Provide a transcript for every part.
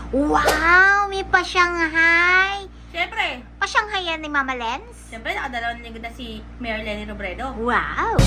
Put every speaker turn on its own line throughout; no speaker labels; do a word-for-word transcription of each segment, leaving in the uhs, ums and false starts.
Wow! May pa-Shanghai!
Siyempre,
Pa-Shanghai yan ni Mama Lens?
siyempre nakadalawang linggo na si Mayor Lenny Robredo.
Wow!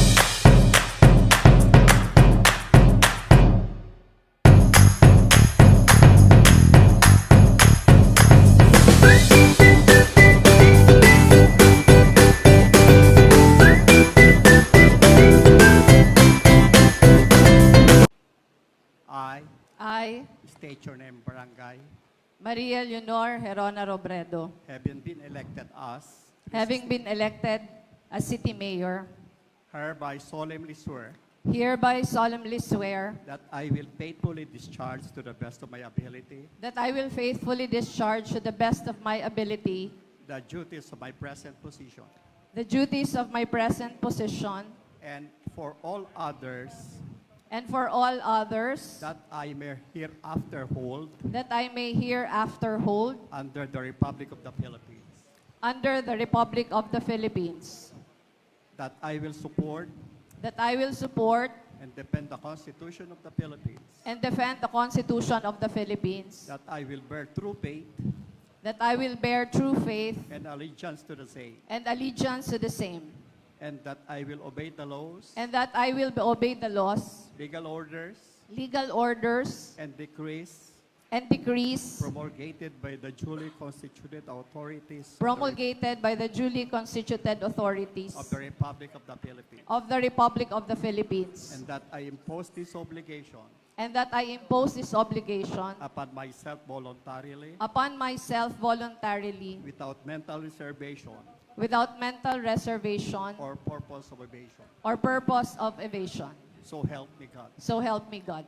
I
I,
state your name, barangay,
Maria Leonor Herona Robredo,
having been elected as,
having been elected as City Mayor,
hereby solemnly swear
hereby solemnly swear
that I will faithfully discharge to the best of my ability
that I will faithfully discharge to the best of my ability
the duties of my present position,
the duties of my present position,
and for all others
and for all others
that I may hereafter hold
that I may hereafter hold
under the Republic of the Philippines,
under the Republic of the Philippines,
that I will support
that I will support
and defend the Constitution of the Philippines,
and defend the Constitution of the Philippines,
that I will bear true faith
that I will bear true faith
and allegiance to the same,
and allegiance to the same,
and that I will obey the laws,
and that I will obey the laws,
legal orders,
legal orders,
and decrees
and decrees
promulgated by the duly constituted authorities of the Re-
promulgated by the duly constituted authorities
of the Republic of the Philippines,
of the Republic of the Philippines,
and that I impose this obligation
and that I impose this obligation
upon myself voluntarily,
upon myself voluntarily,
without mental reservation
without mental reservation
or purpose of evasion.
or purpose of evasion.
So help me God.
So help me God.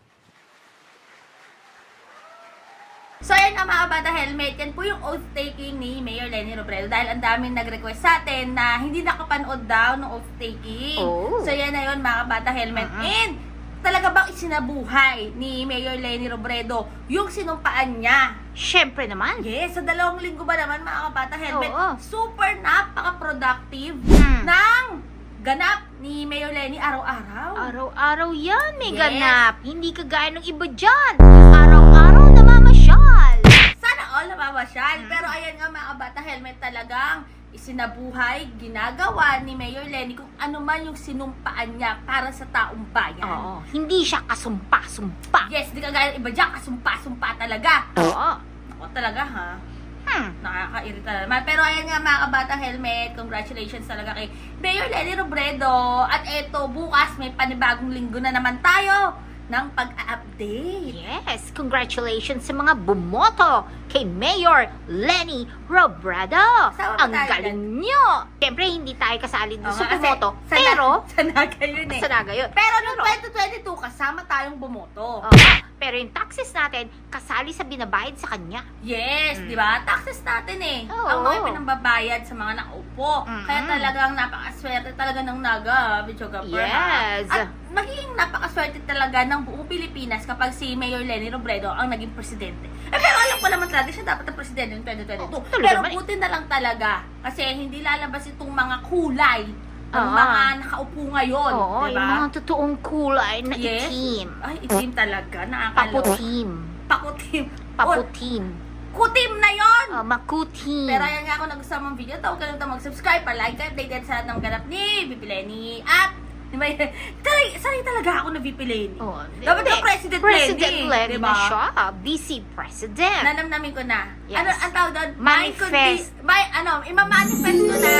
So ayan nga mga bata helmet, yan po yung oath-taking ni Mayor Lenny Robredo dahil ang daming nag-request sa atin na hindi nakapanood daw ng oath-taking.
Oh.
So yan na yun mga bata helmet.
Uh-huh.
And talaga bang isinabuhay ni Mayor Lenny Robredo yung sinumpaan niya?
Siyempre naman.
Yes, sa dalawang linggo ba naman mga kabata helmet,
Oo.
super napaka-productive
Hmm.
ng ganap ni Mayor Lenny araw-araw.
Araw-araw yan may
Yes.
ganap. Hindi kagaya ng iba dyan. Araw-araw namamasyal.
Sana all namamasyal.
Mm.
Pero ayan nga mga kabata helmet, talagang isinabuhay, ginagawa ni Mayor Lenny kung ano man yung sinumpaan niya para sa taong bayan.
Oo. Hindi siya kasumpa-sumpa.
Yes, di kagaya ng iba dyan, kasumpa-sumpa talaga.
Oo.
Ako talaga ha.
Hmm.
Nakakairita naman. Pero ayan nga mga kabata helmet, congratulations talaga kay Mayor Lenny Robredo. At eto, bukas may panibagong linggo na naman tayo ng pag-update.
Yes, congratulations sa mga bumoto kay Mayor Lenny Robredo.
Kasama ba
Ang
tayo
galing nyo. Siyempre, hindi tayo kasali doon
Oo
sa
nga, kasi
bumoto.
sa na-
Pero,
sa naga yun eh.
sa naga yun.
Pero noong twenty twenty-two, kasama tayong bumoto.
Oo. Pero yung taxes natin, kasali sa binabayad sa kanya.
Yes,
Mm.
di ba? Taxes natin eh.
Oo.
Ang mga pinambabayad sa mga nakaupo.
Mm-mm.
Kaya talagang napakaswerte talaga ng naga, Bichoga Per.
Yes.
At magiging napakaswerte talaga ng buong Pilipinas kapag si Mayor Lenny Robredo ang naging presidente. Eh, pero alam ko naman talaga siya dapat ang presidente ng twenty twenty-two.
Oh, talaga
pero
naman eh.
buti na lang talaga. Kasi hindi lalabas itong mga kulay ng
Oo.
mga nakaupo ngayon.
Oo,
di
yung
ba?
mga totoong kulay na
Yes.
itim.
Ay, itim talaga. Nakakaloka.
Paputim.
Pakutim. O,
Paputim.
kutim na yon.
Oh, makutim.
Pero ayan nga, kung nagustuhan mong video, tawag ka lang mag-subscribe, pa-like, ka-updated sa lahat ng ganap ni V P Lenny. At, di ba, taray, sanay talaga ako na V P Lenny.
Oh,
Dapat
hindi.
na President,
President
Lenny.
Lenny
Diba?
na siya. Vice President.
Nanamnamin ko na.
Yes.
Ano, ang tawag doon?
Manifest.
May, ano, ima-manifest ko na.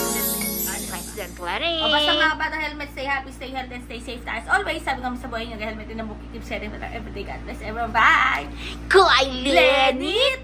President Lenny.
O basta mga bata helmet, stay happy, stay healthy, and stay safe. As always, sabi ko sa buhay nyo, helmet din ang bukit, keep setting, but everyday God bless everyone. Bye!
Kay
Lenny